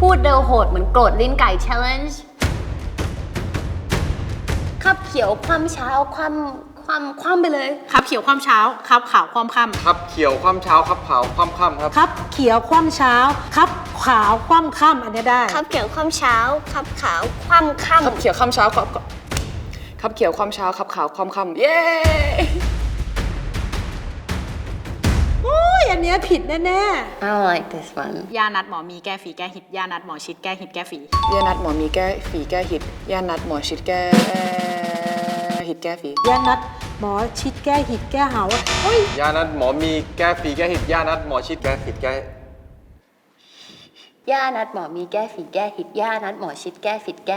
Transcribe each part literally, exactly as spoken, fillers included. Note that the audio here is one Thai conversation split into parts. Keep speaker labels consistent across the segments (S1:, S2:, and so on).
S1: พูดเร็วโหดเหมือนโกรธลิ้นไก่ challenge ขับเขียวความเช้าความความความไปเลย
S2: คับเขียวความเช้าคับขาวความค่ำ
S3: ครับเขียวความเช้าครับขาวความค่ำครับ
S4: ครับเขียวคว่ำเช้าครับขาวคว่ำค่ำอันนี้ได้
S1: ขับเขียวความเช้าขับขาวความค่ำ
S5: ขับเขียวความเช้าขับขับเขียวความเช้าขับขาวความค่ำเย้
S4: โอ้ยอันเนี้ยผิดแน่
S1: I like this one
S2: ยานัดหมอมีแก้ฝีแก้หิดยานัดหมอชิดแก้หิดแก้ฝี
S5: ยานัดหมอมีแก้ฝีแก้หิดยานัดหมอชิดแก้หิดแก้ฝี
S4: ๆยานัดหมอชิดแก้หิดแก้เหาโอ้ย
S3: ยานัดหมอมีแก้ฝีแก้หิดยานัดหมอชิดแก้ผิดแก้
S1: ย่านัดหมอมีแก้ฝีแก้หิดย่านัดหมอชิดแก้ฝีแก้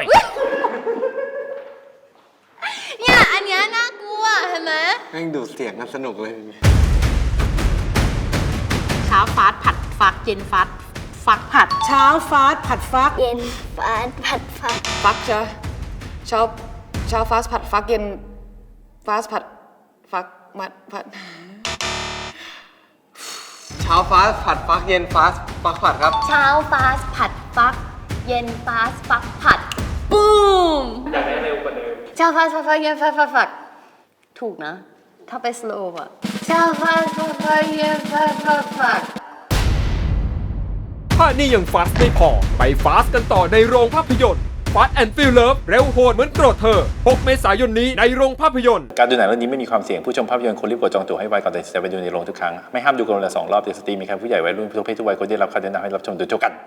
S1: เนี่ยอันเนี้ยน่ากลัวเห็นไหม
S3: แม่งดูดเสียงกันสนุกเลย
S2: เช้าฟาสผัดฟักเย็นฟาสฟักผัด
S4: เช้าฟาสผัดฟัก
S1: เย็นฟาดผัดฟัก
S5: ฟักใช่เช้าเช้าฟาสผัดฟักเย็นฟาสผัดฟักมัดผัด
S3: เช้าฟ้าผัดฟักเย็นฟ้าฟักผัดครับ
S1: เช้าฟาสผัดฟักเย็นฟาสฟักผัดบูมอยากได้เร็วกว่าเดิมเช้าฟาสฟักเย็นฟาสฟักผัดถูกนะถ้าไปสโลว์อะเช้าฟาสฟักเย็นฟาสฟักผัด
S6: ถ้านี่ยังฟาสไม่พอ ไปฟาสกันต่อในโรงภาพยนตร์ฟาสแอนด์ฟิลเลิฟเร็วโหดเหมือนโกรธเธอ หก เมษายนนี้ในโรงภาพยนตร์
S7: การดูหนังเรื่องนี้ไม่มีความเสี่ยงผู้ชมภาพยนตร์ควรรีบกดจองตั๋วให้ไวก่อนตัดสินใจไปดูในโรงทุกครั้งไม่ห้ามดูเกินวันละสองรอบเด็กสตรีมีใครผู้ใหญ่วัยรุ่นทุกเพศทุกวัยควรได้รับคำแนะนำให้รับชมโดยเท่ากัน